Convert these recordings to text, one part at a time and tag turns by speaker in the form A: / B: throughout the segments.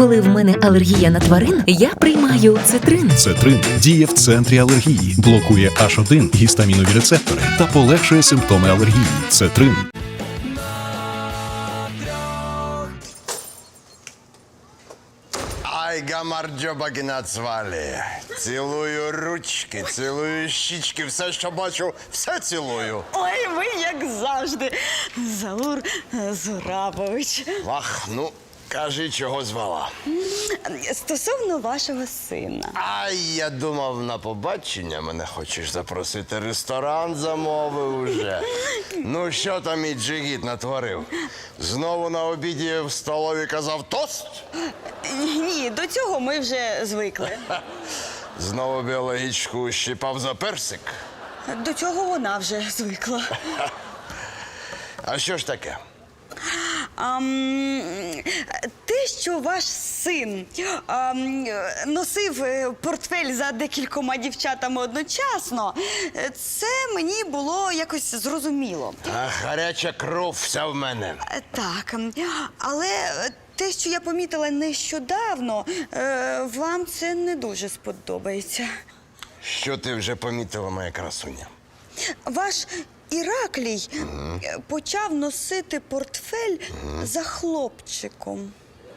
A: Коли в мене алергія на тварин, я приймаю цитрин.
B: Цетрин діє в центрі алергії, блокує H1 гістамінові рецептори та полегшує симптоми алергії. Цетрин.
C: Ай, гамарджоба нацвалі. Цілую ручки, цілую щічки, все, що бачу, все цілую.
D: Ой, ви як завжди. Заур Зурабович.
C: Вах, ну, кажи, чого звала.
D: Стосовно вашого сина.
C: Ай, я думав, на побачення мене хочеш запросити. Ресторан замовив уже. Ну, що там і джигіт натворив? Знову на обіді в столові казав тост?
D: Ні, до цього ми вже звикли.
C: Знову біологічку щипав за персик?
D: До цього вона вже звикла.
C: А що ж таке?
D: Те, що ваш син носив портфель за декількома дівчатами одночасно, це мені було якось зрозуміло.
C: А гаряча кров вся в мене.
D: Так, але те, що я помітила нещодавно, вам це не дуже сподобається.
C: Що ти вже помітила, моя красуня?
D: Ваш Іраклій почав носити портфель за хлопчиком.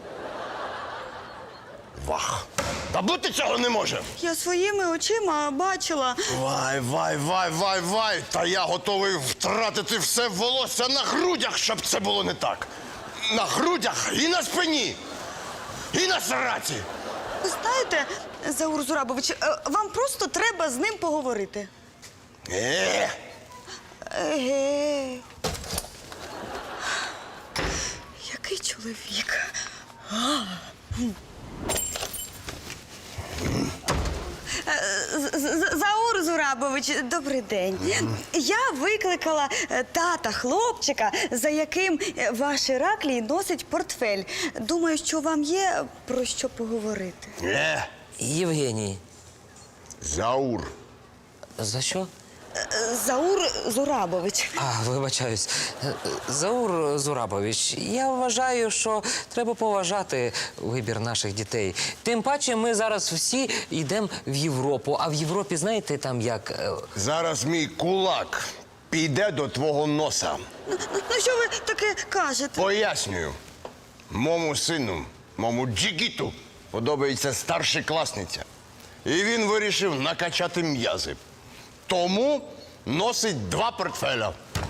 C: Вах! Та бути цього не може!
D: Я своїми очима бачила.
C: Вай! Та я готовий втратити все волосся на грудях, щоб це було не так. На грудях і на спині, і на сраці.
D: Ви знаєте, Заур Зурабович, вам просто треба з ним поговорити. Еге. Який чоловік. Заур Зурабович, добрий день. Я викликала тата хлопчика, за яким ваш Іраклій носить портфель. Думаю, що вам є про що поговорити.
E: Євгеній.
C: Заур.
E: За що?
D: Заур Зурабович.
E: Вибачаюсь. Заур Зурабович, я вважаю, що треба поважати вибір наших дітей. Тим паче ми зараз всі йдемо в Європу. А в Європі, знаєте, там як...
C: Зараз мій кулак піде до твого носа.
D: Ну, що ви таке кажете?
C: Пояснюю. Мому сину, мому джигіту подобається старшокласниця. І він вирішив накачати м'язи. Тому носить 2 портфеля.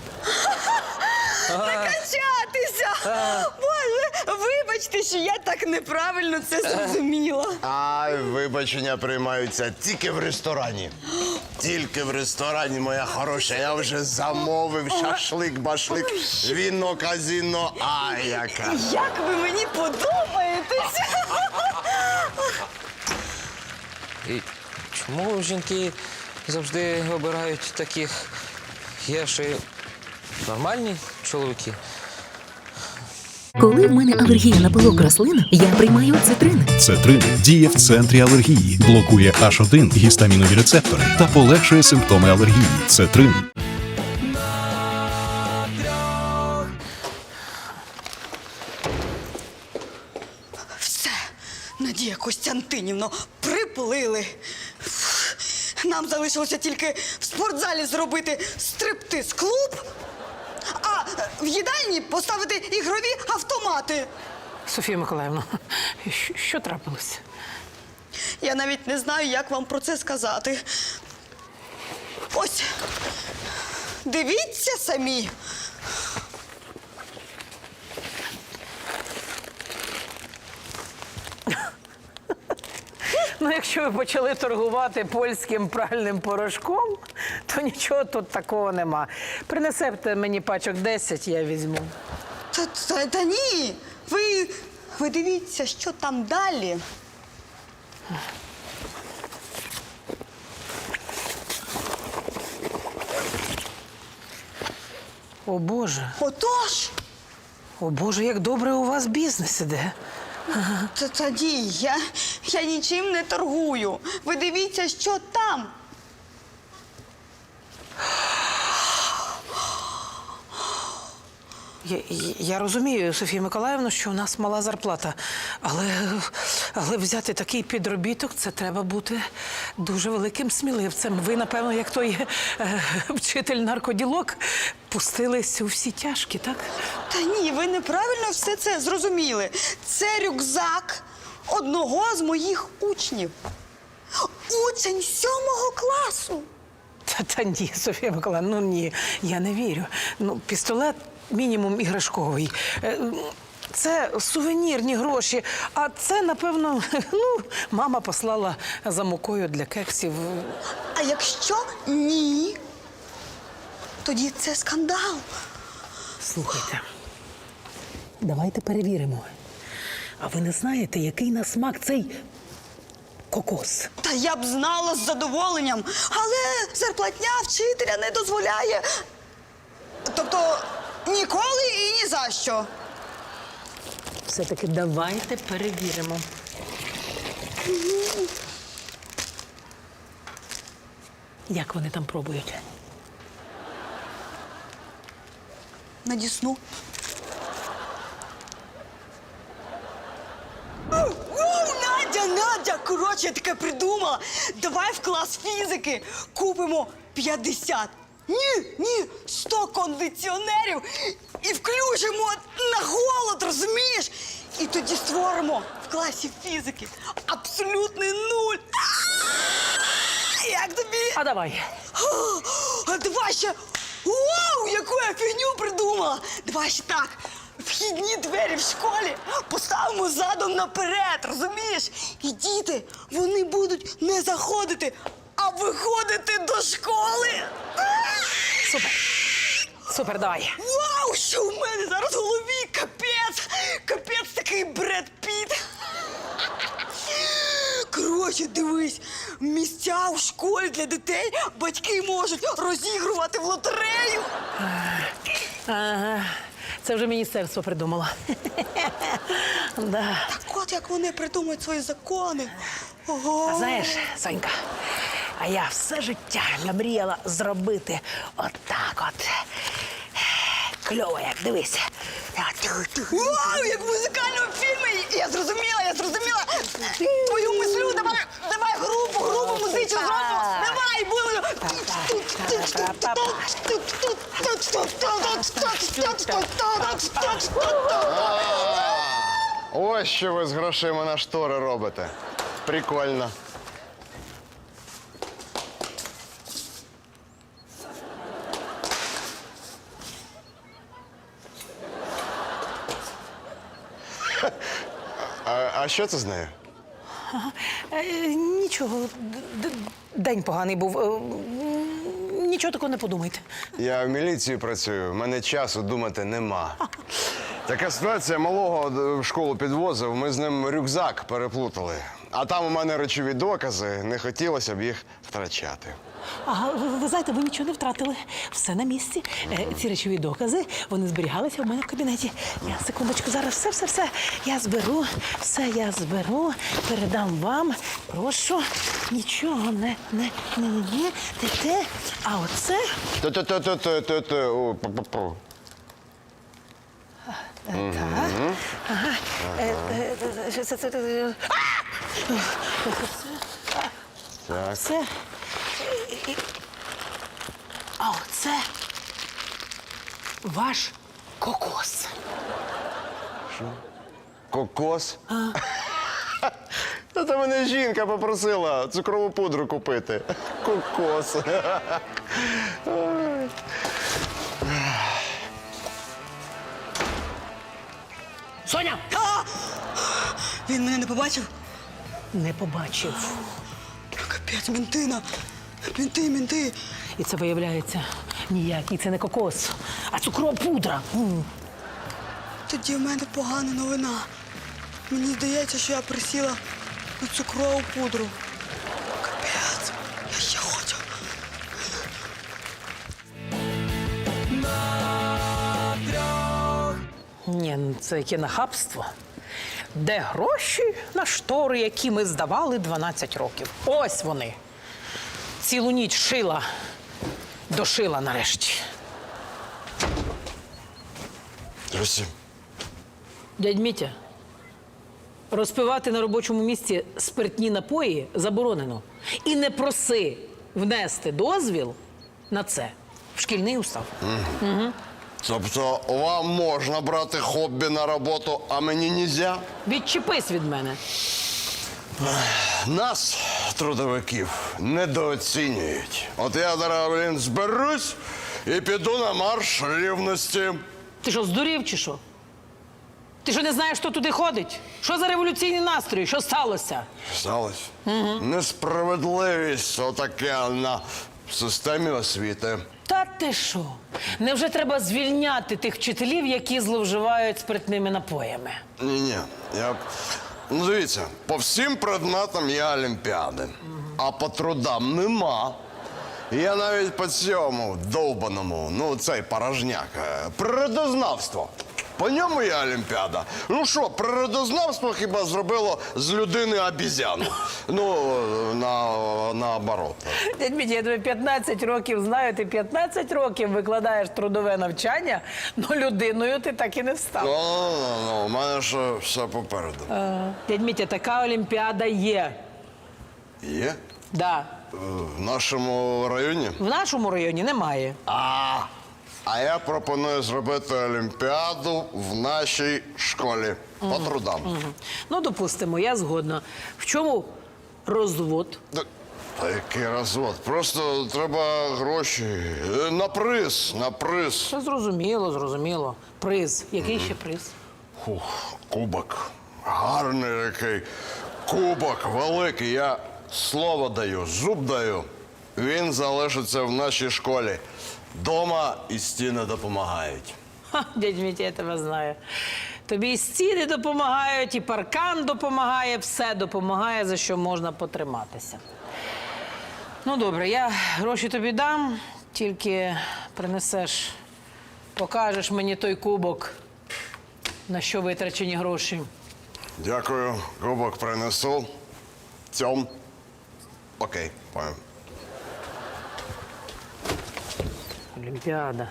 D: Накачатися! Боже, вибачте, що я так неправильно це зрозуміла.
C: Ай, вибачення приймаються тільки в ресторані. Тільки в ресторані, моя хороша. Я вже замовив шашлик-башлик, віно, казіно. Ай, яка.
D: Як ви мені подобаєтесь!
E: І чому жінки завжди обирають таких? Є ще й нормальні чоловіки.
A: Коли в мене алергія на пилок рослин, я приймаю цитрин.
B: Цетрин діє в центрі алергії, блокує H1 гістамінові рецептори та полегшує симптоми алергії. Цетрин.
D: Все, Надія Костянтинівно, приплили. Нам залишилося тільки в спортзалі зробити стриптиз-клуб, а в їдальні поставити ігрові автомати.
F: Софія Миколаївна, що трапилося?
D: Я навіть не знаю, як вам про це сказати. Ось, дивіться самі.
F: Ну, якщо ви почали торгувати польським пральним порошком, то нічого тут такого нема. Принесете мені пачок 10, я візьму.
D: Та ні, ви дивіться, що там далі.
F: О, Боже.
D: Отож.
F: О, Боже, як добре у вас бізнес іде.
D: Тоді я нічим не торгую. Ви дивіться, що там.
F: Я розумію, Софія Миколаївна, що у нас мала зарплата, але взяти такий підробіток – це треба бути дуже великим сміливцем. Ви, напевно, як той вчитель наркоділок, пустились у всі тяжкі, так?
D: Та ні, ви неправильно все це зрозуміли. Це рюкзак одного з моїх учнів. Учень 7 класу.
F: Та ні, Софія Миколаївна, ну ні, я не вірю. Ну, пістолет мінімум іграшковий. Це сувенірні гроші, а це, напевно, мама послала за мукою для кексів.
D: А якщо ні, тоді це скандал.
F: Слухайте, давайте перевіримо. А ви не знаєте, який на смак цей кокос?
D: Та я б знала з задоволенням, але зарплатня вчителя не дозволяє. Тобто ніколи і ні за що.
F: Все-таки давайте перевіримо. Як вони там пробують?
D: На Дісну. Надя, коротше, я таке придумала. Давай в клас фізики купимо 50. Ні, 100 кондиціонерів і включимо на голод, розумієш? І тоді створимо в класі фізики абсолютний нуль. Як тобі?
F: А давай.
D: А давай ще... Вау, яку я фігню придумала! Давай ще так. Вхідні двері в школі поставимо задом наперед, розумієш? І діти, вони будуть не заходити, а виходити до школи.
F: Супер. Супер, давай.
D: Вау, що в мене зараз в голові? Капець! Капець такий Бред Піт. Коротше, дивись, місця в школі для дітей батьки можуть розігрувати в лотерею.
F: Ага. Це вже міністерство придумало. Да.
D: Так от як вони придумують свої закони. Ого.
F: А знаєш, Сонька, а я все життя намріяла зробити отак от. Кльово, як дивись.
D: Вау, як в музикальному фільмі! Я зрозуміла! Твою мислю, давай групу музичну зробимо! Давай, будемо!
C: Ось що ви з грошима на штори робите. Прикольно. А що це з нею?
F: Нічого, день поганий був. Нічого такого не подумайте.
C: Я в міліції працюю, в мене часу думати нема. Така ситуація, малого в школу підвозив, ми з ним рюкзак переплутали. А там у мене речові докази, не хотілося б їх втрачати.
F: Ага, ви знаєте, ви нічого не втратили. Все на місці. Ці речові докази, вони зберігалися у мене в кабінеті. Я, секундочку, зараз все. Я зберу, передам вам. Прошу, нічого не, те. А оце... Так. Ага.
C: Так.
F: Це... А оце ваш кокос.
C: Кокос? Та мене жінка попросила цукрову пудру купити. Кокос.
F: Соня!
D: Він мене не побачив?
F: Не побачив.
D: Капець, ментина. Менти.
F: І це виявляється ніякий, це не кокос, а цукрова пудра.
D: Тоді в мене погана новина. Мені здається, що я присіла на цукрову пудру. Капець, я ще хочу.
F: Ні, ну це яке нахабство. Де гроші на штори, які ми здавали 12 років? Ось вони. Цілу ніч шила, дошила нарешті.
C: Люсі,
F: Дядь Мітя, розпивати на робочому місці спиртні напої заборонено. І не проси внести дозвіл на це в шкільний устав.
C: тобто вам можна брати хобі на роботу, а мені нельзя?
F: Відчепись від мене.
C: Нас, трудовиків, недооцінюють. От я зараз, зберусь і піду на марш рівності.
F: Ти що, здурів чи що? Ти що не знаєш, хто туди ходить? Що за революційні настрої? Що сталося?
C: Сталося? Несправедливість отаке на системі освіти.
F: Та ти що? Невже треба звільняти тих вчителів, які зловживають спиртними напоями?
C: Ні-ні, ну, дивіться, по всім предметам є олімпіади, а по трудам нема. Я навіть по цьому довбаному, ну цей порожняк, природознавство. По ньому є олімпіада. Ну що, природознавство хіба зробило з людини обізяну? Ну, наоборот.
F: Дядь Мітя, я тебе 15 років знаю, ти 15 років викладаєш трудове навчання, але людиною ти так і не став.
C: Ну, у мене ще все попереду.
F: Дядь Мітя, така олімпіада є.
C: Є?
F: Да.
C: В нашому районі?
F: В нашому районі немає.
C: А я пропоную зробити олімпіаду в нашій школі по трудам.
F: Ну, допустимо, я згодна. В чому розвод?
C: Та який розвод? Просто треба гроші. На приз, на приз.
F: Це зрозуміло, зрозуміло. Приз. Який ще приз?
C: Кубок. Гарний який. Кубок великий. Я слово даю, зуб даю. Він залишиться в нашій школі. Дома і стіни допомагають.
F: Ха, дядь Мітя, я тебе знаю. Тобі і стіни допомагають, і паркан допомагає, все допомагає, за що можна потриматися. Ну, добре, я гроші тобі дам, тільки принесеш, покажеш мені той кубок, на що витрачені гроші.
C: Дякую. Кубок принесу. Цьом. Окей, понял.
F: Олімпіада.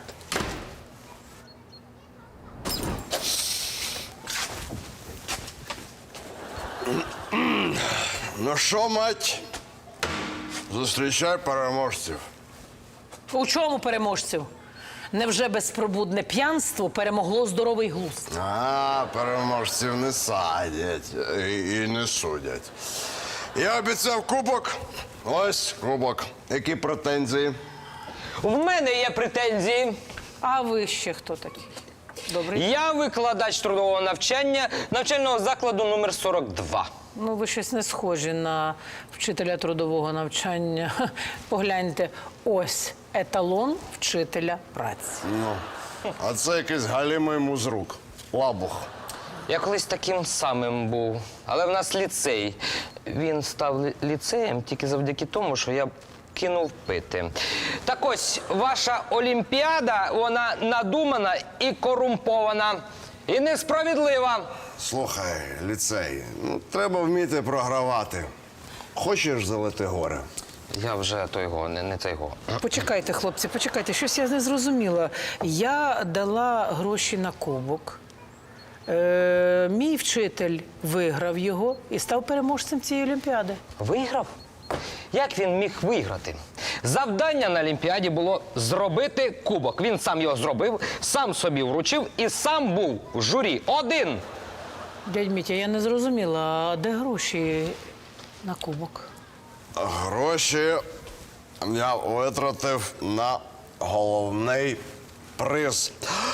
C: Ну що, мать? Зустрічай переможців.
F: У чому переможців? Невже безпробудне п'янство перемогло здоровий глузд?
C: Переможців не садять і не судять. Я обіцяв кубок. Ось кубок. Які претензії?
E: В мене є претензії.
F: А ви ще хто такий? Добрий.
E: Я викладач трудового навчання навчального закладу номер 42.
F: Ну, ви щось не схожі на вчителя трудового навчання. Ха, погляньте, ось еталон вчителя праці.
C: Ну, а це якийсь галімий музрук. Лабух.
E: Я колись таким самим був, але в нас ліцей. Він став ліцеєм тільки завдяки тому, що я кинув пити. Так ось, ваша олімпіада, вона надумана і корумпована, і несправедлива.
C: Слухай, ліцей, ну треба вміти програвати. Хочеш залити горе?
E: Я вже того, не того.
F: Почекайте, хлопці, почекайте, щось я не зрозуміла. Я дала гроші на кубок. Мій вчитель виграв його і став переможцем цієї олімпіади.
E: Виграв? Як він міг виграти? Завдання на Олімпіаді було зробити кубок. Він сам його зробив, сам собі вручив і сам був в журі. Один.
F: Дядь Мітя, я не зрозуміла, а де гроші на кубок?
C: Гроші я витратив на головний приз.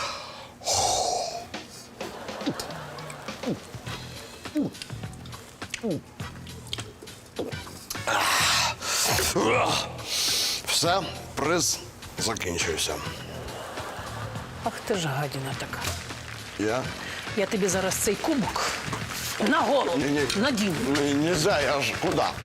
C: Все, приз закінчився.
F: Ах ти ж гадіна така.
C: Я?
F: Я тобі зараз цей кубок на голову надіну.
C: Нельзя, я ж куди?